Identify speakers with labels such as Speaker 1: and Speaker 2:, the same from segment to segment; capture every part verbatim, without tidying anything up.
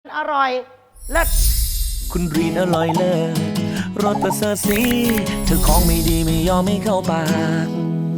Speaker 1: อร่อยเลิศ
Speaker 2: คุณรีนอร่อยเลิศรสประเสริฐสีเธอของไม่ดีไม่ยอมไม่เข้าปาก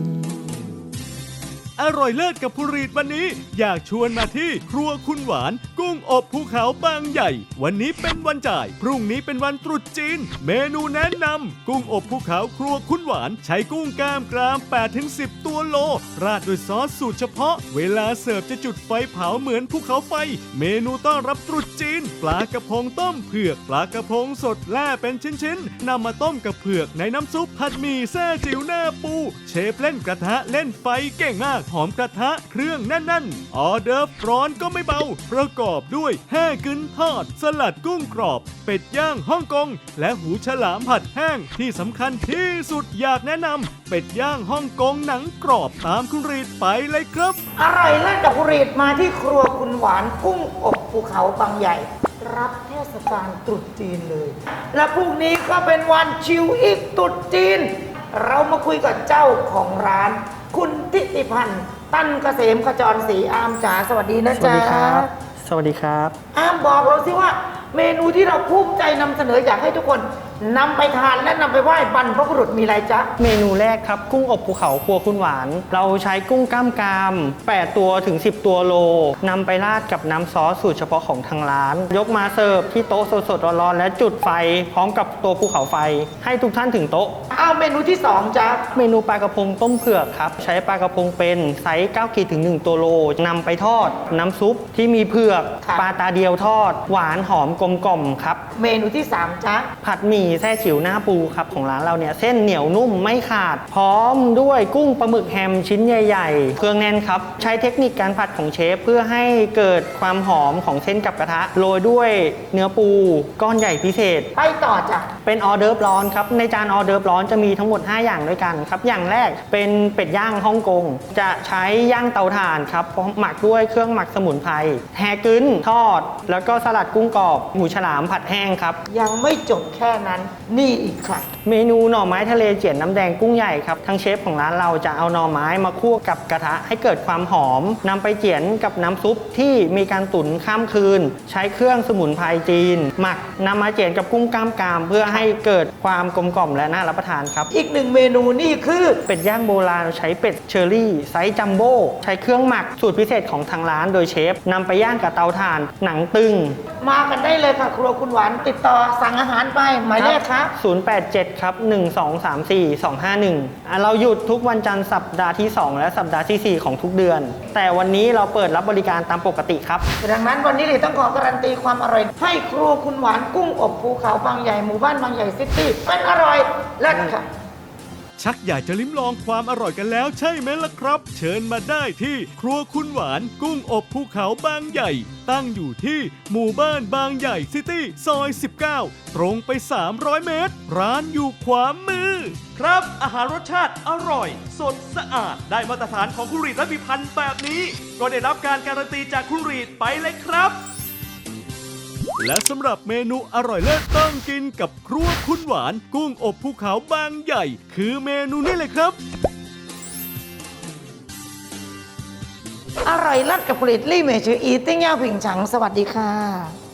Speaker 3: อร่อยเลิศกับผู้รีดวันนี้อยากชวนมาที่ครัวคุณหวานกุ้งอบภูเขาบางใหญ่วันนี้เป็นวันจ่ายพรุ่งนี้เป็นวันตรุษจีนเมนูแนะนำกุ้งอบภูเขาครัวคุณหวานใช้กุ้งกล้ามกราม แปดถึงสิบ ตัวโลราดด้วยซอสสูตรเฉพาะเวลาเสิร์ฟจะจุดไฟเผาเหมือนภูเขาไฟเมนูต้อนรับตรุษจีนปลากระพงต้มเผือกปลากระพงสดแล่เป็นชิ้นๆนำมาต้มกับเผือกในน้ำซุปผัดหมี่แซ่จิ๋วหน้าปูเชฟเล่นกระทะเล่นไฟเก่งมากหอมกระทะเครื่องแน่นๆออเดิร์ฟร้อนก็ไม่เบาประกอบด้วยแห้กึนทอดสลัดกุ้งกรอบเป็ดย่างฮ่องกงและหูฉลามผัดแห้งที่สำคัญที่สุดอยากแนะนำเป็ดย่างฮ่องกงหนังกรอบตามคุณรีดไปเลยครับ
Speaker 1: อร่อยเลิศกับผู้รีดมาที่ครัวคุณหวานกุ้งอบภูเขาบางใหญ่รับเทศกาลตรุษจีนเลยและพรุ่งนี้ก็เป็นวันชิวอีกตรุษจีนเรามาคุยกับเจ้าของร้านคุณทิติพันธ์ตั้นเกษมขจรศรีอามจ๋าสวัสดีนะจ๊ะ
Speaker 4: สวัสดีครับสวัสดีครับ
Speaker 1: อามบอกเราสิว่าเมนูที่เราภูมิใจนำเสนออยากให้ทุกคนนำไปทานและนำไปไหว้บรรพบุรุษมีอะไรจ๊ะ
Speaker 4: เมนูแรกครับกุ้งอบภูเขาครัวคุณหวานเราใช้กุ้งกล้ามกรามแปดตัวถึงสิบตัวโลนำไปราดกับน้ำซอสสูตรเฉพาะของทางร้านยกมาเสิร์ฟที่โต๊ะสดๆร้อนๆและจุดไฟพร้อมกับตัวภูเขาไฟให้ทุกท่านถึงโต๊ะ
Speaker 1: อ้าวเมนูที่สองจ๊ะ
Speaker 4: เมนูปลากระพงต้มเผือกครับใช้ปลากระพงเป็นไซส์เก้าขีดถึงหนึ่งตัวโลนำไปทอดน้ำซุปที่มีเผือกปลาตาเดียวทอดหวานหอมกลมกล่อมครับ
Speaker 1: เมนูที่สามจ๊ะ
Speaker 4: ผัดหมี่แซ่จิ๋วหน้าปูครับของร้านเราเนี่ยเส้นเหนียวนุ่มไม่ขาดพร้อมด้วยกุ้งปลาหมึกแฮมชิ้นใหญ่ๆเครื่องแน่นครับใช้เทคนิคการผัดของเชฟเพื่อให้เกิดความหอมของเส้นกับกระทะโรยด้วยเนื้อปูก้อนใหญ่พิเศษ
Speaker 1: ไปต่อจ้ะ
Speaker 4: เป็นออเดิร์ฟร้อนครับในจานออเดิร์ฟร้อนจะมีทั้งหมดห้าอย่างด้วยกันครับอย่างแรกเป็นเป็ดย่างฮ่องกงจะใช้ย่างเตาถ่านครับหมักด้วยเครื่องหมักสมุนไพรแฮกึ้นทอดแล้วก็สลัดกุ้งกรอบหมูฉลามผัดแห้งครับ
Speaker 1: ยังไม่จบแค่นั้นนี่อีกค่ะ
Speaker 4: เมนูหน่อไม้ทะเลเจี๋ยนน้ำแดงกุ้งใหญ่ครับทางเชฟของร้านเราจะเอาหน่อไม้มาคั่วกับกระทะให้เกิดความหอมนำไปเจี๋ยนกับน้ำซุปที่มีการตุ๋นข้ามคืนใช้เครื่องสมุนไพรจีนหมักนำมาเจี๋ยนกับกุ้งกล้ามกรามเพื่อให้เกิดความกลมกล่อมและน่ารับประทานครับ
Speaker 1: อีกหนึ่งเมนูนี่คือ
Speaker 4: เป็ดย่างโบราณใช้เป็ดเชอรี่ไซส์จัมโบ้ใช้เครื่องหมักสูตรพิเศษของทางร้านโดยเชฟนำไปย่างกับเตาถ่านหนังตึง
Speaker 1: มากันได้เลยค่ะครัวคุณหวานติดต่อสั่งอาหารไปหมายเลขครับ
Speaker 4: ศูนย์ แปด เจ็ดครับหนึ่ง สอง สาม สี่ สอง ห้า หนึ่งเราหยุดทุกวันจันทร์สัปดาห์ที่สองและสัปดาห์ที่สี่ของทุกเดือนแต่วันนี้เราเปิดรับบริการตามปกติครับ
Speaker 1: ดังนั้นวันนี้เลยต้องขอการันตีความอร่อยให้ครัวคุณหวานกุ้งอบภูเขาบางใหญ่หมู่บ้านบางใหญ่ซิตี้เป็นอร่อยเลิศค่ะ
Speaker 3: ชักอยากจะลิ้มลองความอร่อยกันแล้วใช่ไหมล่ะครับเชิญมาได้ที่ครัวคุณหวานกุ้งอบภูเขาบางใหญ่ตั้งอยู่ที่หมู่บ้านบางใหญ่ซิตี้ซอยสิบเก้าตรงไปสามร้อยเมตรร้านอยู่ขวามือครับอาหารรสชาติอร่อยสดสะอาดได้มาตรฐานของคุณรีดและพิพันธ์แบบนี้ก็ได้รับการการันตีจากคุณรีดไปเลยครับและสำหรับเมนูอร่อยเลิศต้องกินกับครัวคุณหวานกุ้งอบภูเขาบางใหญ่คือเมนูนี้เลยครับ
Speaker 1: อร่อยเลิศกับผลิตลี่เมจืออีติ้งย่าผิงฉังสวัสดีค่ะ